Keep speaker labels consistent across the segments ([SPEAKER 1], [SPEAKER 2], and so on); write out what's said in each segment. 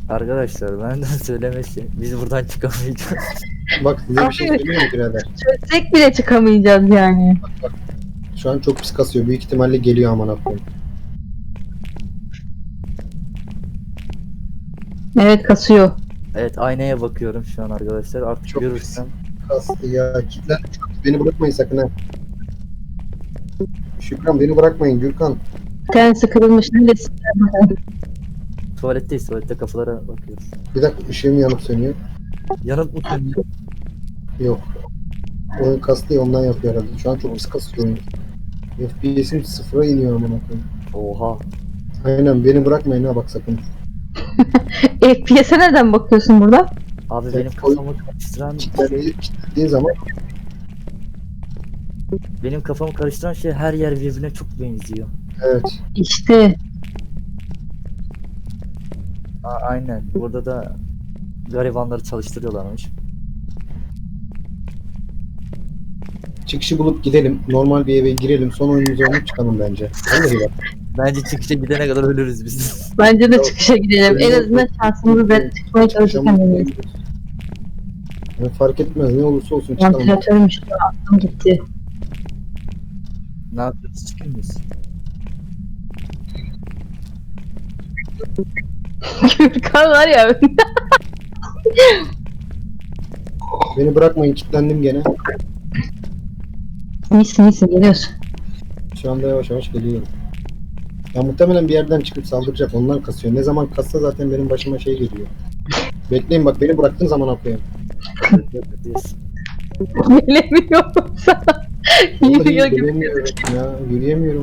[SPEAKER 1] Arkadaşlar benden söylemesi. Biz buradan çıkamayacağız.
[SPEAKER 2] Bak size bir şey söyleyeyim mi birader?
[SPEAKER 3] Çözsek bile çıkamayacağız yani.
[SPEAKER 2] Şu an çok pis kasıyor. Büyük ihtimalle geliyor aman koyayım.
[SPEAKER 3] Evet kasıyor.
[SPEAKER 1] Evet, aynaya bakıyorum şu an arkadaşlar. Artık
[SPEAKER 2] Çok
[SPEAKER 1] görürsem.
[SPEAKER 2] Kastı ya. Kitlen. Beni bırakmayın sakın ha. Şükran beni bırakmayın Gürkan.
[SPEAKER 3] Bir tanesi kırılmış. Neredesin?
[SPEAKER 1] Tuvaletteyiz. Tuvalette kafalara bakıyoruz.
[SPEAKER 2] Bir dakika ışığım yanıp sönüyor.
[SPEAKER 1] Yanıp mı sönüyor?
[SPEAKER 2] Yok. Oyun kastı ya ondan yapıyor herhalde. Şu an çok pis kasıyor oyun. FPS'im sıfıra iniyor aman koyayım.
[SPEAKER 1] Oha.
[SPEAKER 2] Aynen beni bırakmayın ha bak sakın.
[SPEAKER 3] FPS'e nereden bakıyorsun burada?
[SPEAKER 1] Abi
[SPEAKER 2] Evet,
[SPEAKER 1] benim kafamı karıştıran
[SPEAKER 2] Kilitlediğin zaman
[SPEAKER 1] şey her yer birbirine çok benziyor.
[SPEAKER 2] evet.
[SPEAKER 3] İşte.
[SPEAKER 1] Aynen. Burada da garibanları çalıştırıyorlarmış.
[SPEAKER 2] Çıkışı bulup gidelim. Normal bir eve girelim. Son oyunumuzu oynayıp çıkalım bence. Vallahi bak.
[SPEAKER 1] Bence çıkışa gidene kadar ölürüz biz.
[SPEAKER 3] Bence de çıkışa gidelim. En azından şansımızı da çıkmaya çalışırken deneyiz.
[SPEAKER 2] Yani fark etmez ne olursa olsun çıkalım.
[SPEAKER 3] Vantilatörmüş. Aklım gitti.
[SPEAKER 1] Ne yapıyoruz? Çıkıyor muyuz?
[SPEAKER 3] Gürkan var ya.
[SPEAKER 2] Beni bırakmayın kilitlendim gene.
[SPEAKER 3] İyisin geliyorsun.
[SPEAKER 2] Şu anda yavaş yavaş geliyorum. Ya muhtemelen bir yerden çıkıp saldıracak. Ondan kasıyor. Ne zaman kassa zaten benim başıma şey geliyor. Bekleyin bak beni bıraktığın zaman atlayayım.
[SPEAKER 1] Bekliyoruz.
[SPEAKER 3] Gelemiyorum sana.
[SPEAKER 2] Vallahi
[SPEAKER 3] Yürüyor gibi.
[SPEAKER 2] gelemiyorum ya. Yürüyemiyorum.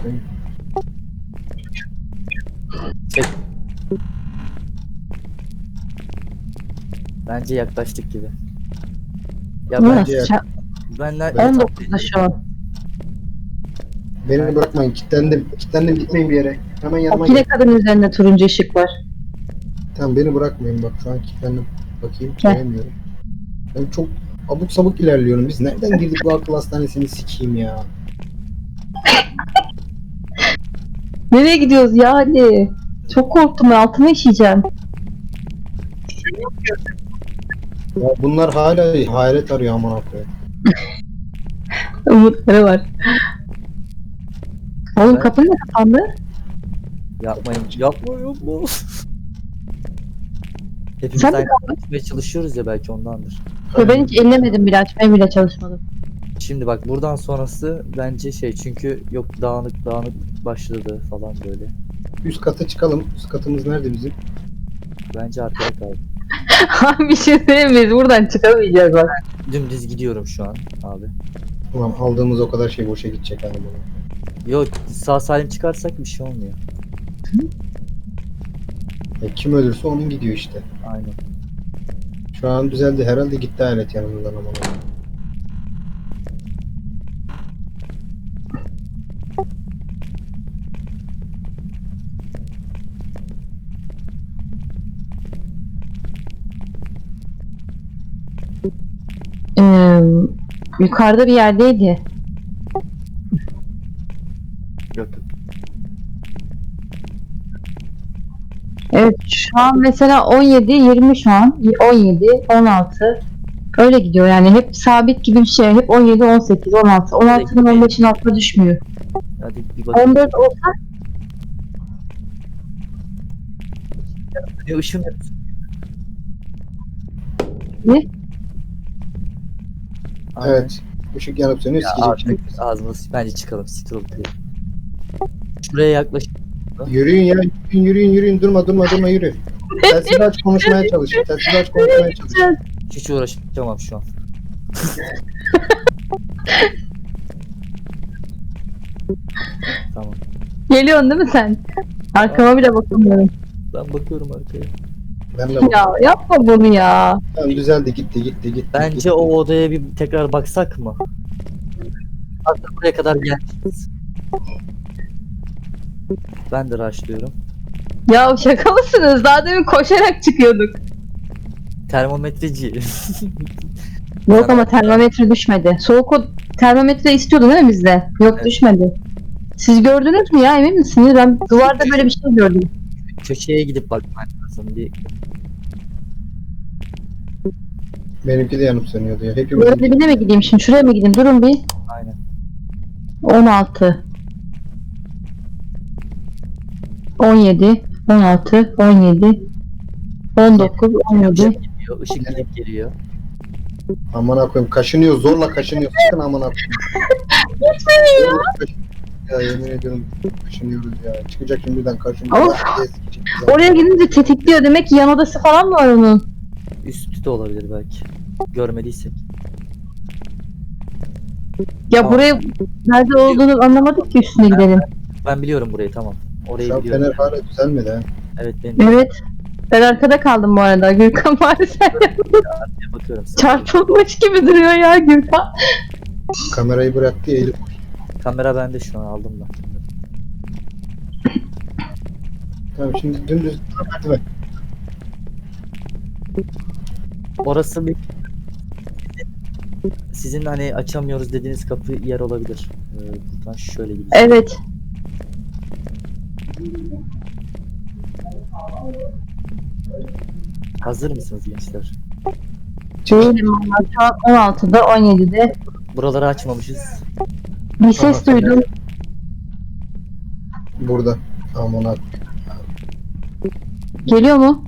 [SPEAKER 1] Bence yaklaştık gibi. Ya
[SPEAKER 3] Bu
[SPEAKER 1] bence
[SPEAKER 3] nasıl?
[SPEAKER 1] benler
[SPEAKER 3] 19'da şu an.
[SPEAKER 2] Beni bırakmayın. Kilitlendim. Kilitlendim gitmeyin bir yere. Hemen yanıma
[SPEAKER 3] Akile
[SPEAKER 2] gel.
[SPEAKER 3] kadın üzerinde turuncu ışık var.
[SPEAKER 2] Tamam beni bırakmayın bak şu an kilitlendim. Bakayım
[SPEAKER 3] Gel.
[SPEAKER 2] göremiyorum. Ben çok abuk sabuk ilerliyorum. Biz nereden girdik bu akıl hastanesini sikeyim ya.
[SPEAKER 3] Nereye gidiyoruz ya hadi. Çok korktum ben altıma işeyeceğim.
[SPEAKER 2] Ya bunlar hala hayret arıyor aman koyayım.
[SPEAKER 3] Umutları var. Oğlum
[SPEAKER 1] Ben-
[SPEAKER 3] kapı ne kapandı?
[SPEAKER 1] yapmayın. Yapma. Hepimiz
[SPEAKER 3] Sen de
[SPEAKER 1] aynı açmaya çalışıyoruz ya, belki ondandır.
[SPEAKER 3] Ve ben hiç ellemedim bile açmaya bile çalışmadım.
[SPEAKER 1] Şimdi bak buradan sonrası bence çünkü yok dağınık başladı falan böyle.
[SPEAKER 2] Üst kata çıkalım. Üst katımız nerede bizim?
[SPEAKER 1] Bence arkada kaldı.
[SPEAKER 3] Abi bir şey söyleyeyim mi? Biz buradan çıkamayacağız bak.
[SPEAKER 1] Dümdüz gidiyorum şu an abi.
[SPEAKER 2] Ulan aldığımız o kadar şey boşa gidecek hani bunu.
[SPEAKER 1] Yok, sağ salim çıkarsak bir şey olmuyor.
[SPEAKER 2] Kim ölürse onun gidiyor işte.
[SPEAKER 1] Aynen.
[SPEAKER 2] Şu an düzeldi. Herhalde gitti alet yanımızdan ama.
[SPEAKER 3] Ee, yukarıda bir yerdeydi.
[SPEAKER 1] Yok.
[SPEAKER 3] Evet şu an mesela 17, 20 şu an. 17, 16. Öyle gidiyor yani hep sabit gibi bir şey. Hep 17, 18, 16. 16'nın 15'in altına düşmüyor.
[SPEAKER 1] Hadi bir bakalım.
[SPEAKER 3] 14 olsa
[SPEAKER 1] Ne ışın?
[SPEAKER 3] ne?
[SPEAKER 1] Aynen.
[SPEAKER 2] Evet. Işık yanıp sönüyor.
[SPEAKER 1] Ya
[SPEAKER 2] Sikecek
[SPEAKER 1] artık
[SPEAKER 2] şimdi.
[SPEAKER 1] ağzımız bence çıkalım. Siktir olup gidelim. Şuraya yaklaş.
[SPEAKER 2] Yürüyün ya. Yürüyün. Durma yürü. Telsizi aç konuşmaya çalış. Telsizi aç konuşmaya çalış.
[SPEAKER 1] Hiç uğraşamam şu an. Tamam.
[SPEAKER 3] Geliyorsun değil mi sen? Arkama bile bakamıyorum.
[SPEAKER 1] Ben bakıyorum arkaya.
[SPEAKER 2] Ben de bak.
[SPEAKER 3] Ya yapma bunu ya.
[SPEAKER 2] Tamam, düzeldi gitti.
[SPEAKER 1] Bence
[SPEAKER 2] gitti.
[SPEAKER 1] o odaya bir tekrar baksak mı? Hatta buraya kadar gelmişiz. Ben de rushlıyorum.
[SPEAKER 3] Ya şaka mısınız? Daha demin koşarak çıkıyorduk.
[SPEAKER 1] Termometreci.
[SPEAKER 3] Yok ama termometre düşmedi. Soğuk o termometre istiyordu değil mi bizde? Yok
[SPEAKER 1] Evet.
[SPEAKER 3] düşmedi. Siz gördünüz mü ya emin misiniz? Ben duvarda böyle bir şey gördüm.
[SPEAKER 1] köşeye gidip bakman lazım. Bir
[SPEAKER 2] Benimki de yanıp sönüyordu ya. Hepimiz
[SPEAKER 3] Böyle dibine mi gideyim şimdi? Şuraya mı gideyim? Durun bir.
[SPEAKER 1] aynen.
[SPEAKER 3] 16 17 16 17 19 17
[SPEAKER 1] Işık geliyor, ışık gidip geliyor.
[SPEAKER 2] amına koyayım kaşınıyor, zorla kaşınıyor. Çıkın amına koyayım.
[SPEAKER 3] Gitmedi ya.
[SPEAKER 2] Ya yemin ediyorum kaşınıyoruz ya. Çıkacak şimdiden kaşınıyor.
[SPEAKER 3] Of.
[SPEAKER 2] Eskicik.
[SPEAKER 3] Oraya gidince tetikliyor. Demek ki yan odası falan mı var onun?
[SPEAKER 1] Üstü de olabilir belki. Görmediysek.
[SPEAKER 3] Ya
[SPEAKER 1] Tamam.
[SPEAKER 3] buraya nerede olduğunu anlamadık ki üstüne gidelim.
[SPEAKER 1] Ben biliyorum burayı, tamam. Orayı
[SPEAKER 2] Şu
[SPEAKER 1] biliyorum.
[SPEAKER 2] fener hala düzelmedi ha.
[SPEAKER 1] Evet, benim
[SPEAKER 3] Evet. Ben arkada kaldım bu arada. Gürkan bari sen
[SPEAKER 1] bakıyorum.
[SPEAKER 3] çarpılmış gibi duruyor ya Gürkan.
[SPEAKER 2] Kamerayı bıraktı ya Elif.
[SPEAKER 1] Kamera bende şu an, aldım ben.
[SPEAKER 2] Tamam şimdi dümdüz merdiven.
[SPEAKER 1] Orası bir sizin hani açamıyoruz dediğiniz kapı yer olabilir. Buradan şöyle gideceğiz.
[SPEAKER 3] Evet.
[SPEAKER 1] Hazır mısınız gençler?
[SPEAKER 3] Değilim valla. Şu an 16'da 17'de.
[SPEAKER 1] Buraları açmamışız.
[SPEAKER 3] Bir ses
[SPEAKER 2] Tamam,
[SPEAKER 3] duydum.
[SPEAKER 2] Burada. Amına.
[SPEAKER 3] Geliyor mu?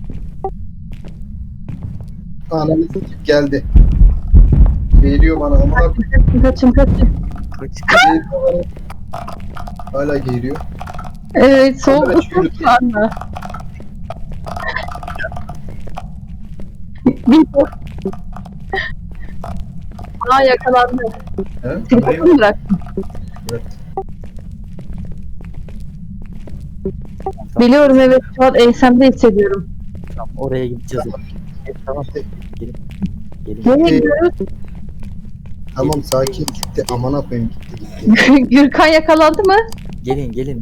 [SPEAKER 2] Ananı sikip geldi. Geliyor bana amına koyayım.
[SPEAKER 3] Kaçın kaçın.
[SPEAKER 2] Geliyor bana. Hala geliyor.
[SPEAKER 3] Evet soğuk
[SPEAKER 2] Kamera çürüdü.
[SPEAKER 3] şu anda. Bir Aa yakalandı.
[SPEAKER 2] He?
[SPEAKER 3] Telefonu bıraktım.
[SPEAKER 2] Evet.
[SPEAKER 3] Biliyorum evet şu an ensemde hissediyorum.
[SPEAKER 1] Tamam, oraya gideceğiz. Tamam. Gelin. Gelin.
[SPEAKER 3] Nereye gidiyoruz?
[SPEAKER 2] Tamam sakin gitti. Amına koyayım gitti.
[SPEAKER 3] Gürkan yakalandı mı?
[SPEAKER 1] Gelin gelin.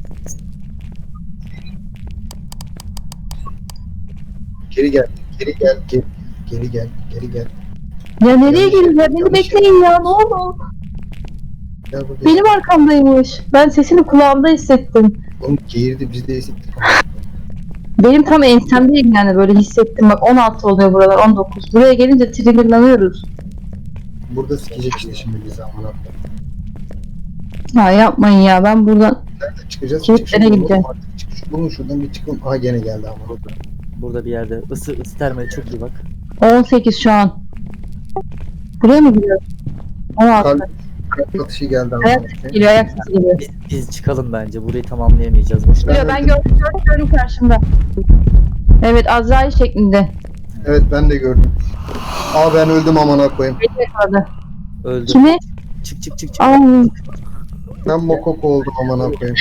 [SPEAKER 2] Geri gel. Geri gel. Geri gel. Geri gel.
[SPEAKER 3] Ya nereye
[SPEAKER 2] Yanlış
[SPEAKER 3] gelin ya?
[SPEAKER 2] yaptım,
[SPEAKER 3] Beni
[SPEAKER 2] yanlış
[SPEAKER 3] bekleyin ya ne olur.
[SPEAKER 2] Gel burada.
[SPEAKER 3] Benim arkamdaymış. Ben sesini kulağımda hissettim.
[SPEAKER 2] Oğlum geğirdi biz de esittik.
[SPEAKER 3] Benim tam ensemdeyim yani böyle hissettim. Bak 16 oluyor buralar 19. Buraya gelince triggerlanıyoruz.
[SPEAKER 2] Burada sikecek işte şimdi bizi amına koyayım.
[SPEAKER 3] Ya yapmayın ya ben buradan.
[SPEAKER 2] Nerede çıkacağız?
[SPEAKER 3] Kilitlere
[SPEAKER 2] Çık şuradan
[SPEAKER 3] gideceğim.
[SPEAKER 2] oğlum artık. Çık şu bulun şuradan bir çıkalım. Aha gene geldi amına koyayım.
[SPEAKER 1] Burada bir yerde. Isı termale çok iyi bak.
[SPEAKER 3] 18 şu an. Buraya mı gidiyoruz? 16.
[SPEAKER 2] Kalp atışı geldi amına
[SPEAKER 3] Ayak
[SPEAKER 2] koyayım.
[SPEAKER 3] geliyor ayak sesi geliyor.
[SPEAKER 1] Biz çıkalım bence. Burayı tamamlayamayacağız. Boşuna.
[SPEAKER 3] Geliyor ben gördüm karşımda. Evet Azrail şeklinde.
[SPEAKER 2] Evet ben de gördüm. Aa ben öldüm amına koyayım.
[SPEAKER 3] Beni yakaladı.
[SPEAKER 1] Öldü.
[SPEAKER 3] Kimi?
[SPEAKER 1] Çık çık çık çık.
[SPEAKER 3] Aa,
[SPEAKER 2] Ben mokoko oldum amına koyayım.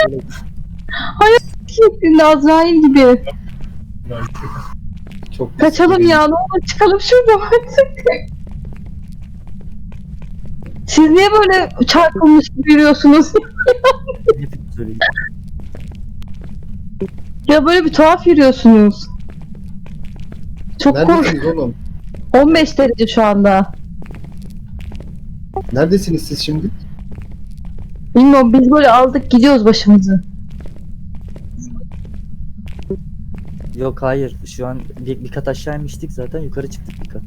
[SPEAKER 3] şeklinde Azrail gibi.
[SPEAKER 2] Çok
[SPEAKER 3] Kaçalım ya ne olur çıkalım şuradan artık. Siz niye böyle çarpılmış gibi yürüyorsunuz?
[SPEAKER 1] Hepimiz öyle.
[SPEAKER 3] Ya böyle bir tuhaf yürüyorsunuz. Çok kork.
[SPEAKER 2] Neredesiniz oğlum?
[SPEAKER 3] 15 derece şu anda.
[SPEAKER 2] Neredesiniz siz şimdi?
[SPEAKER 3] Bilmiyorum biz böyle aldık gidiyoruz başımızı.
[SPEAKER 1] Yok hayır. Şu an bir kat aşağı inmiştik zaten. Yukarı çıktık bir kat.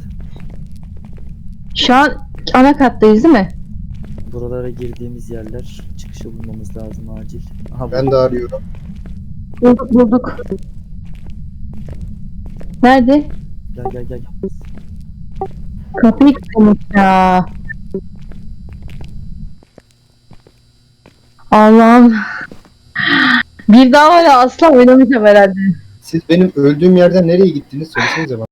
[SPEAKER 3] Şu an ana kattayız değil mi?
[SPEAKER 1] Buralara girdiğimiz yerler. Çıkışı bulmamız lazım acil. Aha,
[SPEAKER 2] Ben de arıyorum.
[SPEAKER 3] Bulduk. Nerede?
[SPEAKER 1] Gel.
[SPEAKER 3] Kapıyı kilitlemiş ya. Allah'ım. Bir daha var ya asla oynamayacağım herhalde.
[SPEAKER 2] Siz benim öldüğüm yerden nereye gittiniz söylesenize bana.